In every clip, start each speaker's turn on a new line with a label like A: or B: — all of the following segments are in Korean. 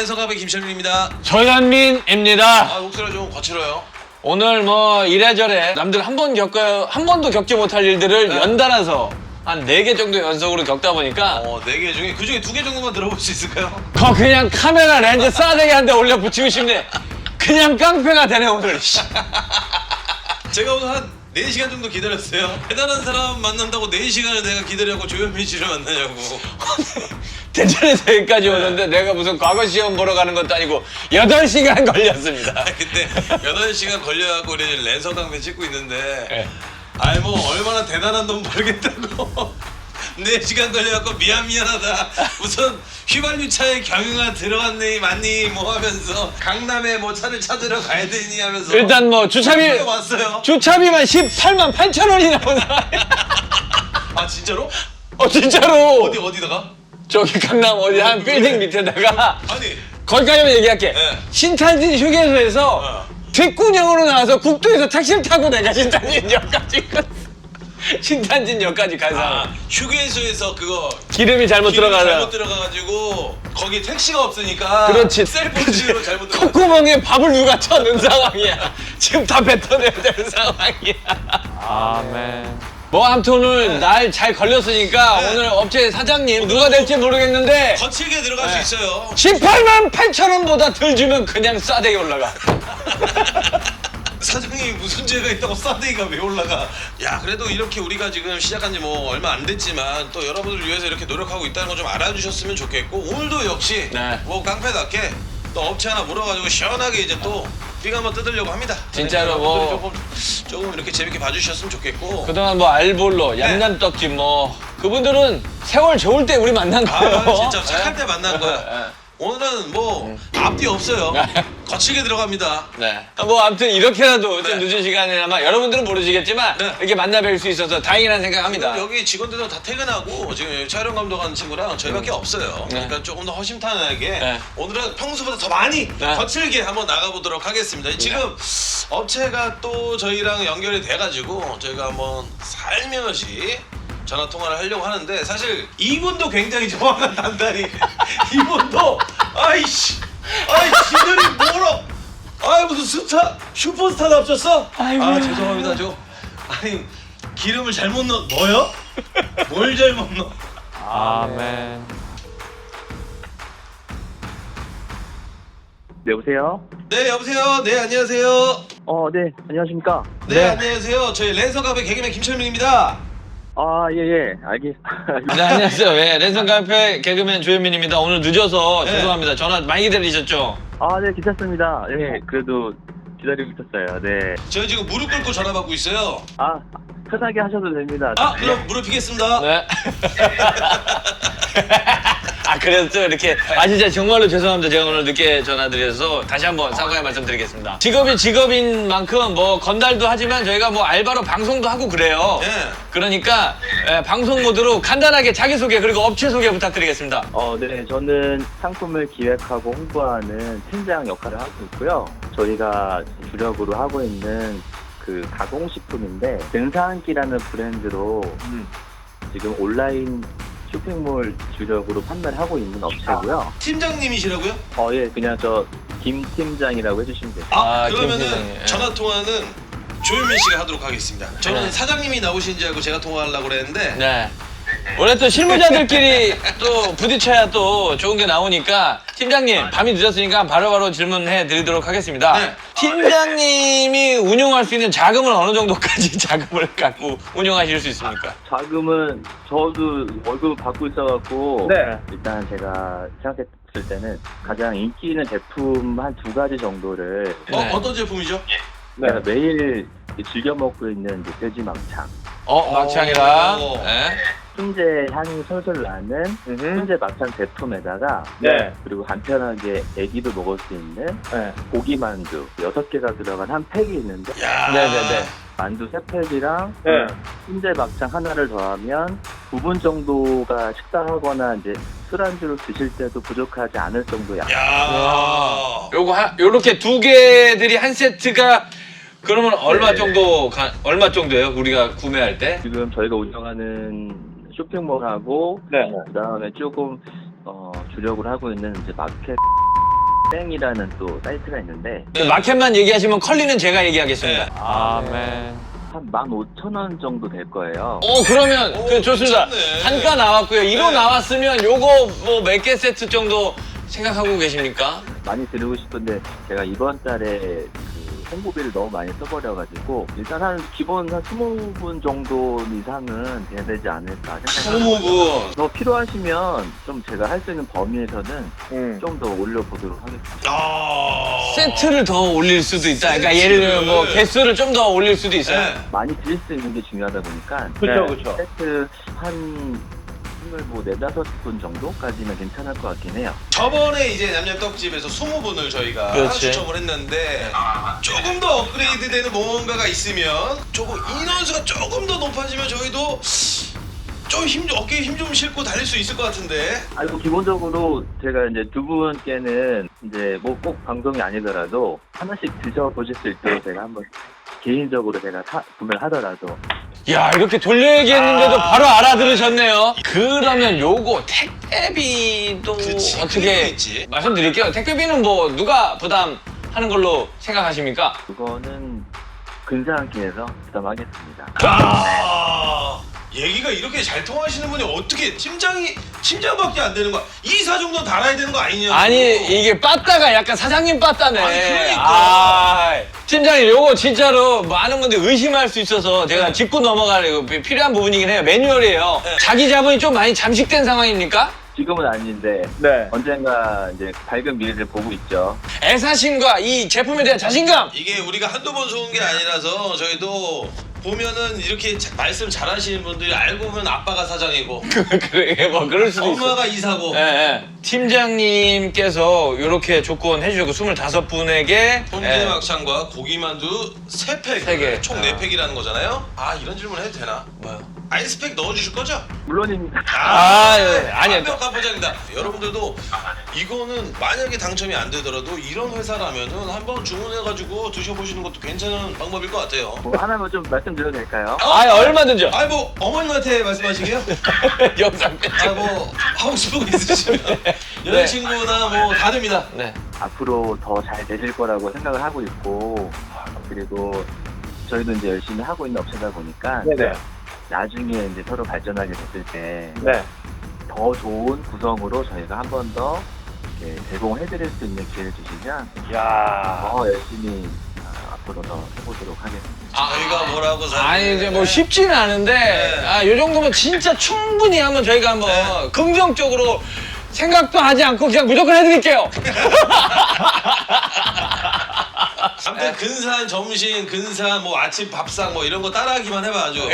A: 랜선갑의 김철민입니다.
B: 조현민입니다.
A: 목소리가 좀 거칠어요.
B: 오늘 뭐 이래저래 남들 한 번도 겪지 못할 일들을 연달아서 한 4개 정도 연속으로 겪다 보니까
A: 4개 중에 그중에 2개 정도만 들어볼 수 있을까요?
B: 그냥 카메라 렌즈 싸대기 한 대 올려 붙이고 싶네. 그냥 깡패가 되네 오늘.
A: 제가 오늘 한 4시간 정도 기다렸어요. 대단한 사람 만난다고 4시간을 내가 기다려고 조현민 씨를 만나냐고.
B: 대전에서 여기까지 오는데 내가 무슨 과거 시험 보러 가는 것도 아니고 8시간 걸렸습니다.
A: 근데 8시간 걸려갖고 우리 랜선강배 찍고 있는데
B: 네.
A: 아이 뭐 얼마나 대단한 놈 모르겠다고 4시간 걸려갖고 미안하다 무슨 휘발유차에 경유가 들어갔니 맞니 뭐 하면서 강남에 뭐 차를 찾으러 가야 되니 하면서
B: 일단 뭐 주차비
A: 왔어요.
B: 주차비만 18만 8천 원이 나오나?
A: 아 진짜로?
B: 진짜로.
A: 어디다가?
B: 저기 강남 어디 한 빌딩 밑에다가
A: 아니
B: 거기까지만 얘기할게.
A: 네.
B: 신탄진 휴게소에서 뒷구녕으로 나와서 국도에서 택시를 타고 내가 신탄진역까지 가서
A: 휴게소에서 그거
B: 기름이 잘못 들어가서
A: 들어가가지고 거기 택시가 없으니까
B: 그렇지.
A: 셀프지로 잘못 들어가.
B: 콧구멍에 밥을 누가 쳐넣은 상황이야. 지금 다 뱉어내야 되는 상황이야. 아멘. 뭐 아무튼 오늘 날 잘 걸렸으니까
A: 네.
B: 오늘 업체 사장님 누가 될지 모르겠는데
A: 거칠게 들어갈 수 있어요.
B: 18만 8천 원보다 덜 주면 그냥 싸대기 올라가.
A: 사장님이 무슨 죄가 있다고 싸대기가 왜 올라가? 야 그래도 이렇게 우리가 지금 시작한 지 뭐 얼마 안 됐지만 또 여러분들 위해서 이렇게 노력하고 있다는 거 좀 알아주셨으면 좋겠고 오늘도 역시
B: 네.
A: 뭐 깡패답게 또 업체 하나 물어가지고 시원하게 이제 또 삐가 한번 뜯으려고 합니다.
B: 진짜로 뭐
A: 조금 이렇게 재밌게 봐주셨으면 좋겠고.
B: 그동안 뭐 알볼로, 얌얌떡집 뭐 그분들은 세월 좋을 때 우리 만난 거예요.
A: 진짜 착할 때 만난 거야. 오늘은 뭐 앞뒤 없어요. 거칠게 들어갑니다.
B: 네. 뭐 아무튼 이렇게라도 좀 늦은 시간에나마 여러분들은 모르시겠지만
A: 네.
B: 이렇게 만나 뵐 수 있어서 다행이라는 생각합니다.
A: 여기 직원들도 다 퇴근하고 지금 여기 촬영 감독하는 친구랑 저희밖에 없어요. 그러니까 조금 더 허심탄회하게
B: 네.
A: 오늘은 평소보다 더 많이 거칠게 한번 나가보도록 하겠습니다. 지금 업체가 또 저희랑 연결이 돼가지고 저희가 한번 살며시 전화 통화를 하려고 하는데 사실 이분도 굉장히 정확한 단단히 이분도 지들이 뭐라 무슨 슈퍼스타 납쳤어? 죄송합니다 아니 기름을 잘못 넣어요? 뭘 잘못 넣어?
B: 아멘.
C: 네, 여보세요?
A: 네 여보세요. 네 안녕하세요.
C: 네, 안녕하십니까?
A: 네 안녕하세요. 저희 랜선갑의 개그맨 김철민입니다.
C: 알겠습니다.
B: 네, 안녕하세요. 랜선 카페 개그맨 조현민입니다. 오늘 늦어서
A: 네.
B: 죄송합니다. 전화 많이 기다리셨죠?
C: 네, 괜찮습니다. 네, 그래도 기다리고 있었어요. 네.
A: 저희 지금 무릎 꿇고 전화 받고 있어요.
C: 편하게 하셔도 됩니다.
A: 그럼 무릎 펴겠습니다.
B: 네. 그래서 또 이렇게 진짜 정말로 죄송합니다. 제가 오늘 늦게 전화드려서 다시 한번 사과의 말씀드리겠습니다. 직업이 직업인 만큼 뭐 건달도 하지만 저희가 뭐 알바로 방송도 하고 그래요.
A: 네.
B: 그러니까 방송 모드로 간단하게 자기소개 그리고 업체 소개 부탁드리겠습니다.
C: 네, 저는 상품을 기획하고 홍보하는 팀장 역할을 하고 있고요. 저희가 주력으로 하고 있는 그 가공식품인데 등산기라는 브랜드로 지금 온라인 쇼핑몰 주력으로 판매를 하고 있는 업체고요.
A: 팀장님이시라고요?
C: 예, 그냥 저 김 팀장이라고 해주시면 돼요.
B: 김
A: 그러면은
B: 팀장님.
A: 전화 통화는 조현민 씨가 하도록 하겠습니다. 저는
B: 네.
A: 사장님이 나오신 줄 알고 제가 통화하려고 그랬는데
B: 네. 원래 또 실무자들끼리 또 부딪혀야 또 좋은 게 나오니까 팀장님 밤이 늦었으니까 바로바로 질문해 드리도록 하겠습니다.
A: 네.
B: 팀장님이 운용할 수 있는 자금은 어느 정도까지 자금을 갖고 운용하실 수 있습니까?
C: 자금은 저도 월급을 받고 있어갖고 일단 제가 생각했을 때는 가장 인기 있는 제품 한 2가지 정도를
B: 네.
A: 어떤 제품이죠?
C: 제가 매일 즐겨 먹고 있는 이제 돼지 막창
B: 막창이랑
A: 오.
B: 네.
C: 훈제 향이 솔솔 나는 훈제 막창 제품에다가 그리고 간편하게 애기도 먹을 수 있는 고기 만두 6개가 들어간 한 팩이 있는데
A: 야.
B: 네네네.
C: 만두 3팩이랑 훈제 막창 하나를 더하면 9분 정도가 식사하거나 이제 술안주로 드실 때도 부족하지 않을 정도의 양.
A: 야.
B: 요렇게 2개들이 한 세트가 그러면 얼마 정도예요? 우리가 구매할 때?
C: 지금 저희가 운영하는 쇼핑몰하고 그다음에 조금 주력을 하고 있는 이제 마켓 땡이라는 또 사이트가 있는데
B: 그 마켓만 얘기하시면 컬리는 제가 얘기하겠습니다.
A: 네.
D: 아멘.
C: 한 15,000원 정도 될 거예요.
B: 그러면
A: 오,
B: 좋습니다.
A: 괜찮네.
B: 단가 나왔고요. 1호
A: 네.
B: 나왔으면 요거 뭐 몇 개 세트 정도 생각하고 계십니까?
C: 많이 드리고 싶은데 제가 이번 달에 그 홍보비를 너무 많이 써버려가지고 일단 한 기본 한 20분 정도 이상은 돼야 되지 않을까 생각합니다.
B: 20분.
C: 더 필요하시면 좀 제가 할 수 있는 범위에서는 좀 더 올려보도록 하겠습니다.
B: 세트를 더 올릴 수도 있다. 그러니까 예를 들면 뭐 개수를 좀 더 올릴 수도 있어요.
A: 네.
C: 많이 드릴 수 있는 게 중요하다 보니까
D: 그쵸.
C: 세트 한 뭐 4-5분 정도까지는 괜찮을 것 같긴 해요.
A: 저번에 이제 냠냠떡집에서 20분을 저희가
B: 그렇지.
A: 추첨을 했는데 조금 더 업그레이드 되는 뭔가가 있으면 조금 인원수가 조금 더 높아지면 저희도 좀 어깨에 힘 좀 싣고 달릴 수 있을 것 같은데.
C: 아이고 기본적으로 제가 이제 두 분께는 이제 뭐 꼭 방송이 아니더라도 하나씩 드셔보셨을 때 제가 한번 개인적으로 제가 구매를 하더라도
B: 야, 이렇게 돌려 얘기했는데도 바로 알아들으셨네요. 그러면 요거 택배비도
A: 그치, 그게
B: 어떻게
A: 있지.
B: 말씀드릴게요. 택배비는 뭐 누가 부담하는 걸로 생각하십니까?
C: 그거는 근사한끼에서 부담하겠습니다.
A: 얘기가 이렇게 잘 통하시는 분이 어떻게 팀장밖에 안 되는 거야? 이사 정도 달아야 되는 거 아니냐고.
B: 아니 이게 빠따가 약간 사장님 빠따네.
A: 아니, 그러니까.
B: 아, 팀장님 요거 진짜로 많은 분들이 의심할 수 있어서 제가 짚고 넘어가려고 필요한 부분이긴 해요. 매뉴얼이에요.
A: 네.
B: 자기 자본이 좀 많이 잠식된 상황입니까?
C: 지금은 아닌데
D: 네.
C: 언젠가 이제 밝은 미래를 보고 있죠.
B: 애사심과 이 제품에 대한 자신감.
A: 이게 우리가 한두 번 쏘은 게 아니라서 저희도 보면은 이렇게 말씀 잘하시는 분들이 알고 보면 아빠가 사장이고
B: 그래 뭐 그럴 수도 있어.
A: 엄마가 이사고
B: 예, 예. 팀장님께서 이렇게 조건 해주셨고 25분에게
A: 통기대 막창과 고기만두 3팩
B: 세 개.
A: 총 4팩이라는 거잖아요. 아 이런 질문 해도 되나?
B: 뭐요?
A: 아이스팩 넣어주실 거죠?
C: 물론입니다.
B: 예. 아니요.
A: 완벽한 포장이다. 여러분들도 이거는 만약에 당첨이 안 되더라도 이런 회사라면은 한번 주문해가지고 드셔보시는 것도 괜찮은 방법일 것 같아요.
C: 뭐 하나만 좀 말씀드려도 될까요?
B: 얼마든지요.
A: 뭐 어머님한테 말씀하시게요?
B: 영상 편집.
A: 뭐 하고 싶은 거 있으시면 여자친구나 뭐 다 됩니다.
B: 네.
C: 앞으로 더 잘 되실 거라고 생각을 하고 있고 그리고 저희도 이제 열심히 하고 있는 업체다 보니까
D: 네네.
C: 나중에 이제 서로 발전하게 됐을 때
D: 네.
C: 더 좋은 구성으로 저희가 한 번 더 제공해드릴 수 있는 기회를 주시면
D: 야.
C: 더 열심히 앞으로 더 해보도록 하겠습니다.
A: 저희가 뭐라고
B: 아니 이제 뭐 쉽지는 않은데
A: 네.
B: 요 정도면 진짜 충분히 한번 저희가 한번
A: 네.
B: 긍정적으로 생각도 하지 않고 그냥 무조건 해드릴게요.
A: 아무튼 근사한 점심, 근사한 뭐 아침 밥상 뭐 이런 거 따라하기만 해봐 아주.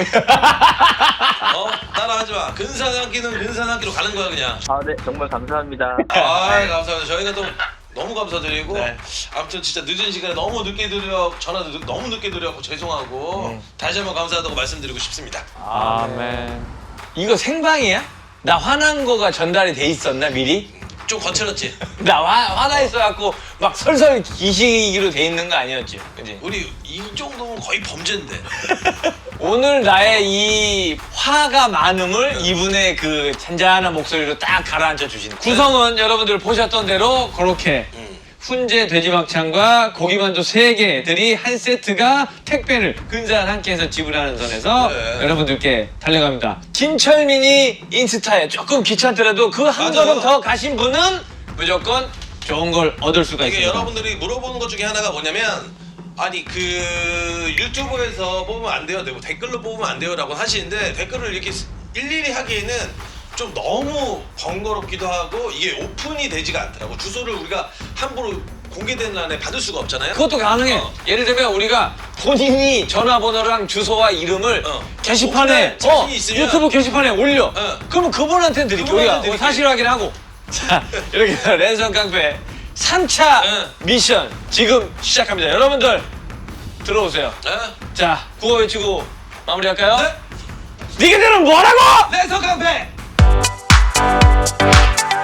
A: 따라하지 마. 근사한 한 끼는 근사한 한 끼로 가는 거야 그냥.
C: 네, 정말 감사합니다.
A: 감사합니다. 저희가 또 너무 감사드리고
B: 네.
A: 아무튼 진짜 늦은 시간에 너무 늦게 너무 늦게 드려갖고 죄송하고 다시 한번 감사하다고 말씀드리고 싶습니다.
D: 아멘.
B: 이거 생방이야? 나 화난 거가 전달이 돼 있었나 미리?
A: 좀 거칠었지?
B: 나 화나 있어갖고 막 설설 기시기로 돼 있는 거 아니었지? 그지?
A: 우리 이 정도면 거의 범죄인데.
B: 오늘 나의 이 화가 많음을 이분의 그 잔잔한 목소리로 딱 가라앉혀 주시는 구성은 여러분들 보셨던 대로 그렇게 훈제 돼지막창과 고기만두 3개들이 한 세트가 택배를 근사한 한 끼에서 지불하는 선에서
A: 네.
B: 여러분들께 달려갑니다. 김철민이 인스타에 조금 귀찮더라도 그 한
A: 맞아요.
B: 걸음 더 가신 분은 무조건 좋은 걸 얻을 수가
A: 이게
B: 있습니다.
A: 여러분들이 물어보는 것 중에 하나가 뭐냐면 아니 그 유튜브에서 뽑으면 안 돼요, 뭐 댓글로 뽑으면 안 돼요라고 하시는데 댓글을 이렇게 일일이 하기에는 좀 너무 번거롭기도 하고 이게 오픈이 되지가 않더라고. 주소를 우리가 함부로 공개된 란에 받을 수가 없잖아요.
B: 그것도 가능해. 예를 들면 우리가 본인이 전화번호랑 주소와 이름을 게시판에
A: 오픈할 자신이 있으면
B: 유튜브 게시판에 올려. 그러면 그분한테는 드릴게. 우리가
A: 그분한테
B: 사실 확인하고. 자, 이렇게 해서 랜선 깡패 3차 미션 지금 시작합니다. 여러분들 들어오세요. 자, 구호 외치고 마무리할까요?
A: 네.
B: 니네들은 뭐라고?
A: 랜선 깡패!